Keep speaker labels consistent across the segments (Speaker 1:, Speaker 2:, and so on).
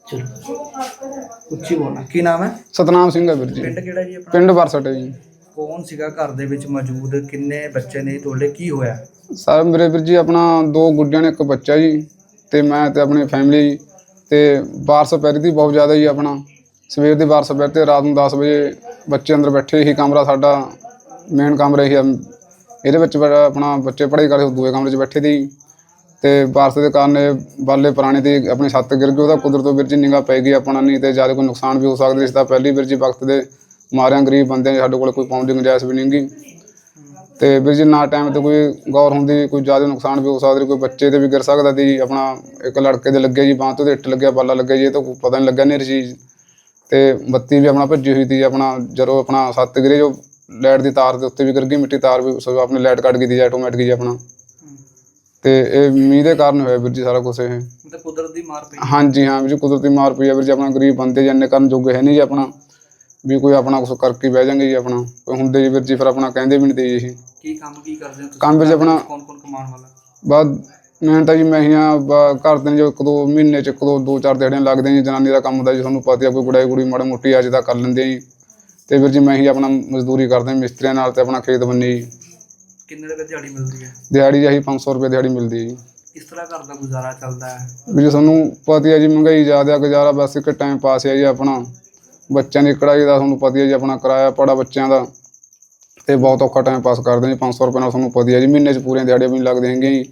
Speaker 1: ਚਲੋ ਉੱਚੀ ਬੋਲਣਾ। ਕੀ ਨਾਮ ਹੈ?
Speaker 2: ਸਤਨਾਮ ਸਿੰਘ ਹੈ ਵੀਰ ਜੀ।
Speaker 1: ਪਿੰਡ ਕਿਹੜਾ ਜੀ ਆਪਣਾ?
Speaker 2: ਪਿੰਡ ਬਰਸਟ ਹੈ ਜੀ।
Speaker 1: ਕੌਣ ਸੀਗਾ ਘਰ ਦੇ ਵਿੱਚ ਮੌਜੂਦ? ਕਿੰਨੇ ਬੱਚੇ ਨੇ ਤੁਹਾਡੇ? ਕੀ ਹੋਇਆ?
Speaker 2: ਸਰ ਮੇਰੇ ਵੀਰ ਜੀ ਆਪਣਾ 2 ਗੁੱਡੀਆਂ ਨੇ 1 ਬੱਚਾ ਜੀ, ਤੇ ਮੈਂ ਤੇ ਆਪਣੀ ਫੈਮਿਲੀ ਜੀ। ਤੇ ਬਾਰਿਸ਼ ਪੈ ਰਹੀ ਸੀ ਬਹੁਤ ਜ਼ਿਆਦਾ ਜੀ। ਆਪਣਾ ਸਵੇਰ ਦੀ ਬਾਰਿਸ਼ ਪੈ ਤੇ ਰਾਤ ਨੂੰ 10 ਵਜੇ ਬੱਚੇ ਅੰਦਰ ਬੈਠੇ ਹੀ। ਕਮਰਾ ਸਾਡਾ ਮੇਨ ਕਮਰਾ ਹੀ ਇਹਦੇ ਵਿੱਚ ਆਪਣਾ ਬੱਚੇ ਪੜ੍ਹਾਈ ਕਰਦੇ ਦੂਏ ਕਮਰੇ 'ਚ ਬੈਠੇ ਸੀ। ਤੇ ਬਾਰਿਸ਼ ਦੇ ਕਾਰਨ ਬਾਲੇ ਪੁਰਾਣੇ ਦੀ ਆਪਣੀ ਛੱਤ ਗਿਰ ਗਈ। ਉਹਦਾ ਕੁਦਰਤੋਂ ਵੀਰ ਜੀ ਨਿਗਾਹ ਪੈ ਗਈ ਆਪਣਾ, ਨਹੀਂ ਤੇ ਜ਼ਿਆਦਾ ਕੋਈ ਨੁਕਸਾਨ ਵੀ ਹੋ ਸਕਦਾ। ਇਸ ਦਾ ਪਹਿਲੀ ਵੀਰ ਜੀ ਵਕਤ ਦੇ ਮਾਰਿਆਂ ਗਰੀਬ ਬੰਦੇ ਸਾਡੇ ਕੋਲ ਕੋਈ ਪਾਉਣ ਦੀ ਗੁੰਜਾਇਸ਼ ਵੀ ਨਹੀਂ ਗੀ। ਤੇ ਵੀਰ ਜੀ ਨਾ ਟਾਈਮ ਤੇ ਕੋਈ ਗੌਰ ਹੁੰਦੀ ਕੋਈ ਜ਼ਿਆਦਾ ਨੁਕਸਾਨ ਵੀ ਹੋ ਸਕਦਾ, ਕੋਈ ਬੱਚੇ ਤੇ ਵੀ ਗਿਰ ਸਕਦਾ ਸੀ। ਆਪਣਾ ਇੱਕ ਲੜਕੇ ਦੇ ਲੱਗੇ ਜੀ ਬਾਂਹ ਤੋਂ, ਇੱਟ ਲੱਗਿਆ ਬਾਲਾ ਲੱਗਿਆ ਜੀ। ਇਹ ਤਾਂ ਪਤਾ ਨਹੀਂ ਲੱਗਿਆ ਨੇਰੀ ਚੀਜ਼। ਤੇ ਬੱਤੀ ਵੀ ਆਪਣਾ ਭੱਜੀ ਹੋਈ ਸੀ। ਆਪਣਾ ਜਦੋਂ ਆਪਣਾ ਛੱਤ ਗਿਰੇ ਜੋ ਲਾਈਟ ਦੀ ਤਾਰ ਦੇ ਉੱਤੇ ਵੀ ਗਿਰ ਗਈ, ਮਿੱਟੀ ਤਾਰ ਵੀ ਆਪਣੀ ਲਾਈਟ ਕੱਟ ਗਈ ਸੀ ਆਟੋਮੈਟਿਕ ਜੀ ਆਪਣਾ। ਤੇ ਇਹ ਮੀਂਹ ਦੇ ਕਾਰਨ ਹੋਇਆ ਵੀਰ ਜੀ ਸਾਰਾ ਕੁਛ। ਇਹ
Speaker 1: ਮਤਲਬ ਕੁਦਰਤੀ ਮਾਰ ਪਈ?
Speaker 2: ਹਾਂਜੀ ਹਾਂ ਵੀਰ ਜੀ, ਕੁਦਰਤੀ ਮਾਰ ਪਈ ਆ ਵੀਰ ਜੀ। ਆਪਣਾ ਗਰੀਬ ਬੰਦੇ ਜੀ ਇੰਨੇ ਕਰਨ ਜੋਗੇ ਹੈ ਨਹੀਂ ਜੀ ਆਪਣਾ ਵੀ ਕੋਈ ਆਪਣਾ ਕੁਛ ਕਰਕੇ ਬਹਿ ਜਾਂਗੇ ਜੀ। ਆਪਣਾ ਕੋਈ ਹੁੰਦੇ ਜੀ ਵੀਰ ਜੀ ਫਿਰ ਆਪਣਾ ਕਹਿੰਦੇ ਵੀ ਨਹੀਂ ਤੇ ਜੀ।
Speaker 1: ਕੀ ਕੰਮ ਕੀ ਕਰਦੇ ਹੋ ਤੁਸੀਂ?
Speaker 2: ਕੰਮ ਵਿੱਚ ਆਪਣਾ
Speaker 1: ਕੌਣ ਕੌਣ ਕਮਾਉਣ ਵਾਲਾ?
Speaker 2: ਬਸ ਮੈਂ ਤਾਂ ਜੀ ਮੈਂ ਹੀ ਹਾਂ। ਘਰ ਦੇ ਨੇ ਜੋ 1-2 ਮਹੀਨੇ 'ਚ 2-4 ਦਿਹਾੜੀਆਂ ਲੱਗਦੀਆਂ ਜੀ। ਜਨਾਨੀ ਦਾ ਕੰਮ ਹੁੰਦਾ ਜੀ, ਤੁਹਾਨੂੰ ਪਤਾ ਕੋਈ ਗੁਡਾਈ ਗੁੜੀ ਮਾੜੀ ਮੋਟੀ ਅੱਜ ਤਾਂ ਕਰ ਲੈਂਦੇ ਜੀ। ਤੇ ਵੀਰ ਜੀ ਮੈਂ ਹੀ ਆਪਣਾ ਮਜ਼ਦੂਰੀ ਕਰਦੇ ਮਿਸਤਰੀਆਂ ਨਾਲ ਤੇ ਆਪਣਾ ਖੇਤ ਬੰਨੀ ਜੀ।
Speaker 1: ਕਿੰਨੇ ਰੁਪਏ ਦਿਹਾੜੀ ਮਿਲਦੀ ਹੈ?
Speaker 2: ਦਿਹਾੜੀ ਜੀ 500 ਰੁਪਏ ਦਿਹਾੜੀ ਮਿਲਦੀ ਹੈ ਜੀ।
Speaker 1: ਕਿਸ ਤਰ੍ਹਾਂ ਘਰ ਦਾ ਗੁਜ਼ਾਰਾ ਚੱਲਦਾ ਹੈ?
Speaker 2: ਵੀ ਜੀ ਤੁਹਾਨੂੰ ਪਤਾ ਹੈ ਜੀ, ਮਹਿੰਗਾਈ ਜ਼ਿਆਦਾ, ਗੁਜ਼ਾਰਾ ਬਸ ਇੱਕ ਟਾਈਮ ਪਾਸ ਹੈ ਜੀ ਆਪਣਾ। ਬੱਚਿਆਂ ਦੀ ਕੜਾਈ ਦਾ ਤੁਹਾਨੂੰ ਪਤਾ ਹੈ ਜੀ, ਆਪਣਾ ਕਿਰਾਇਆ ਪੜਾ ਬੱਚਿਆਂ ਦਾ, ਤੇ ਬਹੁਤ ਔਖਾ ਟਾਈਮ ਪਾਸ ਕਰਦੇ ਜੀ। 500 ਰੁਪਏ ਨਾਲ ਤੁਹਾਨੂੰ ਪਤਾ ਹੈ ਜੀ ਮਹੀਨੇ 'ਚ ਪੂਰੀਆਂ ਦਿਹਾੜੀਆਂ ਵੀ ਨਹੀਂ ਲੱਗਦੀਆਂ ਹੈਗੀਆਂ ਜੀ।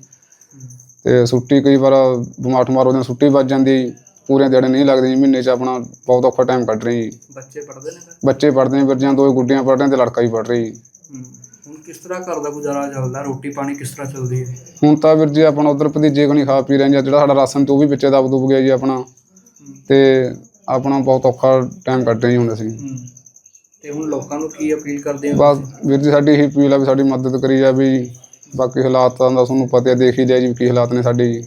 Speaker 2: ਤੇ ਛੁੱਟੀ ਕਈ ਵਾਰ ਬਿਮਾਰ ਠਮਾਰ ਉਹਦੇ ਛੁੱਟੀ ਵੱਜ ਜਾਂਦੀ ਜੀ, ਪੂਰੀਆਂ ਦਿਹਾੜੀਆਂ ਨਹੀਂ ਲੱਗਦੀਆਂ ਜੀ ਮਹੀਨੇ 'ਚ। ਆਪਣਾ ਬਹੁਤ ਔਖਾ ਟਾਈਮ ਕੱਢ ਰਹੇ ਜੀ।
Speaker 1: ਬੱਚੇ ਪੜ੍ਹਦੇ ਨੇ ਫਿਰ?
Speaker 2: ਬੱਚੇ ਪੜ੍ਹਦੇ ਨੇ ਵੀਰ ਜੀ, 2 ਗੁੱਡੀਆਂ ਪੜ੍ਹ ਰਹੀਆਂ ਤੇ ਲੜਕਾ ਵੀ ਪੜ੍ਹ ਰਹੀ ਜੀ।
Speaker 1: ਹੁਣ ਕਿਸ ਤਰ੍ਹਾਂ ਘਰ ਦਾ ਗੁਜ਼ਾਰਾ ਚੱਲਦਾ? ਰੋਟੀ ਪਾਣੀ ਕਿਸ ਤਰ੍ਹਾਂ ਚੱਲਦੀ ਹੈ?
Speaker 2: ਹੁਣ ਤਾਂ ਵੀਰ ਜੀ ਆਪਣਾ ਉੱਧਰ ਭਤੀਜੇ ਕੋਲ ਨਹੀਂ ਖਾ ਪੀ ਰਹੇ ਜੀ। ਜਿਹੜਾ ਸਾਡਾ ਰਾਸ਼ਨ ਤੇ ਉਹ ਵੀ ਵਿੱਚੇ ਦਬ ਦੁਬ ਗਿਆ ਜੀ ਆਪਣਾ। ਤੇ ਆਪਣਾ ਬਹੁਤ ਔਖਾ ਟਾਈਮ ਕੱਢ ਰਹੇ ਜੀ ਹੁਣ ਅਸੀਂ।
Speaker 1: ਤੇ ਹੁਣ ਲੋਕਾਂ ਨੂੰ ਕੀ ਅਪੀਲ ਕਰਦੇ ਹੋ?
Speaker 2: ਬਸ ਵੀਰ ਜੀ ਸਾਡੀ ਇਹੀ ਅਪੀਲ ਆ ਵੀ ਸਾਡੀ ਮਦਦ ਕਰੀ ਜਾਵੇ ਜੀ। ਬਾਕੀ ਹਾਲਾਤਾਂ ਦਾ ਤੁਹਾਨੂੰ ਪਤਾ ਦੇਖ ਹੀ ਲਿਆ ਜੀ ਕੀ ਹਾਲਾਤ ਨੇ ਸਾਡੇ ਜੀ।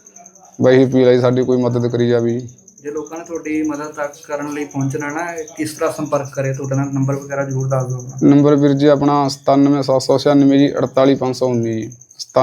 Speaker 2: ਬਸ ਇਹੀ ਅਪੀਲ ਹੈ ਜੀ ਸਾਡੀ, ਕੋਈ ਮਦਦ ਕਰੀ ਜਾਵੇ ਜੀ।
Speaker 1: ਜੇ ਲੋਕਾਂ ਨੇ ਤੁਹਾਡੀ ਮਦਦ ਤੱਕ ਕਰਨ ਲਈ ਪਹੁੰਚਣਾ ਨਾ, ਕਿਸ ਤਰ੍ਹਾਂ ਸੰਪਰਕ ਕਰੇ ਤੁਹਾਡੇ ਨਾਲ? ਨੰਬਰ ਵਗੈਰਾ ਜ਼ਰੂਰ ਦੱਸ ਦਿਓ।
Speaker 2: ਨੰਬਰ ਵੀਰ ਜੀ ਆਪਣਾ 97796 ਜੀ 48519 ਜੀ।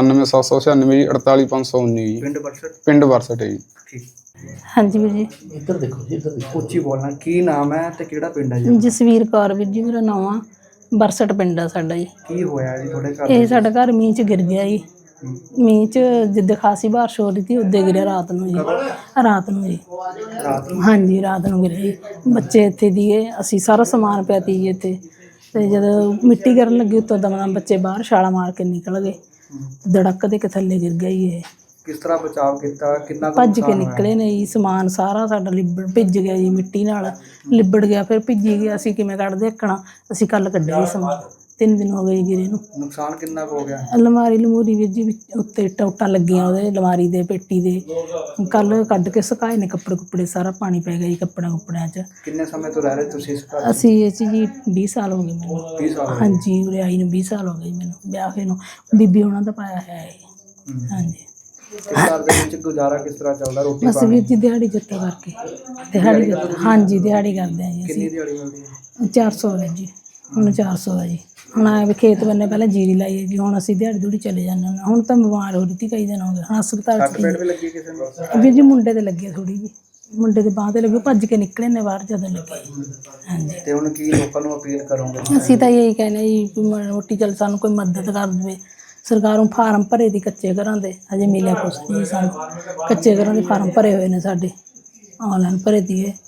Speaker 2: 97796 ਜੀ 48519 ਜੀ।
Speaker 1: ਪਿੰਡ ਬਰਸਟ? ਪਿੰਡ
Speaker 2: ਬਰਸਟ ਹੈ ਜੀ।
Speaker 1: ਠੀਕ।
Speaker 3: ਹਾਂਜੀ ਵੀਰ ਜੀ।
Speaker 1: ਇੱਧਰ ਦੇਖੋ ਜੀ, ਇੱਧਰ ਦੇਖੋ। ਉੱਚੀ ਬੋਲਣਾ। ਕੀ ਨਾਮ ਹੈ ਤੇ ਕਿਹੜਾ ਪਿੰਡ ਹੈ ਜੀ?
Speaker 3: ਜਸਵੀਰ ਕੌਰ ਵੀਰ ਜੀ ਮੇਰਾ ਨਾਮ ਆ। ਬਰਸਟ ਪਿੰਡ ਆ ਸਾਡਾ ਜੀ।
Speaker 1: ਕੀ ਹੋਇਆ ਜੀ ਤੁਹਾਡੇ ਘਰ?
Speaker 3: ਇਹ ਸਾਡਾ ਘਰ ਮੀਂਹ 'ਚ ਗਿਰ ਗਿਆ ਜੀ। ਮੀਂਹ 'ਚ ਜਿੱਦਾਂ ਖਾਸੀ ਬਾਰਿਸ਼ ਹੋ ਰਹੀ ਸੀ ਉੱਦੇ ਗਿਰਿਆ ਰਾਤ ਨੂੰ ਜੀ। ਰਾਤ ਨੂੰ ਜੀ। ਹਾਂਜੀ ਰਾਤ ਨੂੰ ਗਿਰਿਆ ਜੀ। ਬੱਚੇ ਇੱਥੇ ਦੀਏ, ਅਸੀਂ ਸਾਰਾ ਸਮਾਨ ਪਿਆ ਤੀ ਜੀ ਇੱਥੇ। ਤੇ ਜਦੋਂ ਮਿੱਟੀ ਗਿਰਨ ਲੱਗੀ ਉੱਤੋਂ ਦਮ ਬੱਚੇ ਬਾਹਰ ਛਾਲਾਂ ਮਾਰ ਕੇ ਨਿਕਲ ਗਏ। ਧੜਕ ਦੇ ਕੇ ਥੱਲੇ ਗਿਰ ਗਿਆ ਜੀ ਇਹ।
Speaker 1: ਕਿਸ ਤਰ੍ਹਾਂ ਬਚਾਅ ਕੀਤਾ? ਕਿੰਨਾ
Speaker 3: ਭੱਜ ਕੇ ਨਿਕਲੇ ਨੇ ਜੀ। ਸਮਾਨ ਸਾਰਾ ਸਾਡਾ ਭਿੱਜ ਗਿਆ ਜੀ, ਮਿੱਟੀ ਨਾਲ ਲਿਬੜ ਗਿਆ। ਫਿਰ ਭਿੱਜੀ ਗਿਆ, ਅਸੀਂ ਕਿਵੇਂ ਕੱਢਦੇ ਦੇਖਣਾ। ਅਸੀਂ ਕੱਲ੍ਹ ਕੱਢਿਆ ਜੀ ਸਮਾਨ। 3 ਦਿਨ ਹੋ ਗਏ ਜੀ ਗਿਰੇ ਨੂੰ।
Speaker 1: ਨੁਕਸਾਨ ਕਿੰਨਾ ਕੁ ਹੋ ਗਿਆ?
Speaker 3: ਅਲਮਾਰੀ ਲਮੂਰੀ ਵੀਰ ਜੀ ਉੱਤੇ ਟੋਟਾਂ ਲੱਗੀਆਂ ਉਹਦੇ ਅਲਮਾਰੀ ਦੇ, ਪੇਟੀ ਦੇ। ਕੱਲ੍ਹ ਕੱਢ ਕੇ ਸੁਕਾਏ ਨੇ ਕੱਪੜੇ ਕੁੱਪੜੇ, ਸਾਰਾ ਪਾਣੀ ਪੈ ਗਿਆ ਜੀ ਕੱਪੜਿਆਂ 'ਚ।
Speaker 1: ਕਿੰਨੇ ਸਮੇਂ ਤੋਂ ਰਹਿ ਰਹੇ ਤੁਸੀਂ ਇਸ ਘਰ?
Speaker 3: ਅਸੀਂ ਇਹ 'ਚ ਜੀ 20 ਸਾਲ ਹੋ ਗਏ ਮੈਨੂੰ।
Speaker 1: 20 ਸਾਲ?
Speaker 3: ਹਾਂਜੀ ਉਰੇ ਆਈ ਨੂੰ 20 ਸਾਲ ਹੋ ਗਏ ਮੈਨੂੰ, ਵਿਆਹ ਹੋਏ ਨੂੰ। ਬੀਬੀ ਉਹਨਾਂ ਦਾ ਪਾਇਆ ਹੈ ਇਹ। ਹਾਂਜੀ।
Speaker 1: ਘਰ ਦੇ ਵਿੱਚ ਗੁਜ਼ਾਰਾ ਕਿਸ ਤਰ੍ਹਾਂ ਚੱਲਦਾ? ਰੋਟੀ
Speaker 3: ਬਸ ਵੀਰ ਜੀ ਦਿਹਾੜੀ ਜੱਤਾ ਕਰਕੇ। ਦਿਹਾੜੀ ਹਾਂਜੀ ਦਿਹਾੜੀ ਕਰਦੇ ਹਾਂ ਜੀ ਅਸੀਂ।
Speaker 1: ਕਿੰਨੀ ਦਿਹਾੜੀ ਮਿਲਦੀ ਹੈ?
Speaker 3: 400 ਹੈ ਜੀ। ਹੁਣ 400 ਹੈ ਜੀ। ਹੁਣ ਆਏ ਵੀ ਖੇਤ ਬੰਨੇ ਪਹਿਲਾਂ ਜੀਰੀ ਲਾਈ ਹੈ ਜੀ, ਹੁਣ ਅਸੀਂ ਦਿਹਾੜੀ ਦੂੜੀ ਚਲੇ ਜਾਂਦੇ ਹਾਂ। ਹੁਣ ਤਾਂ ਬਿਮਾਰ ਹੋ ਰਹੀ ਸੀ ਕਈ ਦਿਨ ਹੋ ਗਏ। ਹੁਣ ਹਸਪਤਾਲ 'ਚ
Speaker 1: ਪੇਟ ਵੀ ਲੱਗੀ ਕਿਸੇ ਨੂੰ?
Speaker 3: ਵੀਰ ਜੀ ਮੁੰਡੇ ਤੇ ਲੱਗੀ ਥੋੜ੍ਹੀ ਜੀ, ਮੁੰਡੇ ਦੇ ਬਾਂਹ ਤੇ ਲੱਗੀ, ਭੱਜ ਕੇ ਨਿਕਲੇ ਨੇ ਬਾਹਰ ਜਦੋਂ ਲੱਗੇ। ਹਾਂਜੀ।
Speaker 1: ਤੇ ਹੁਣ ਕੀ ਲੋਕਾਂ ਨੂੰ ਅਪੀਲ ਕਰੋਗੇ?
Speaker 3: ਅਸੀਂ ਤਾਂ ਇਹੀ ਕਹਿੰਦੇ ਜੀ ਕੋਈ ਰੋਟੀ ਚੱਲ ਸਾਨੂੰ ਕੋਈ ਮਦਦ ਕਰ ਦੇਵੇ। ਸਰਕਾਰੋਂ ਫਾਰਮ ਭਰੇ ਦੀ ਕੱਚੇ ਘਰਾਂ ਦੇ, ਹਜੇ ਮਿਲਿਆ ਕੁਛ ਨਹੀਂ ਸਾਨੂੰ। ਕੱਚੇ ਘਰਾਂ ਦੇ ਫਾਰਮ ਭਰੇ ਹੋਏ ਨੇ ਸਾਡੇ, ਔਨਲਾਈਨ ਭਰੇ ਦੀਏ।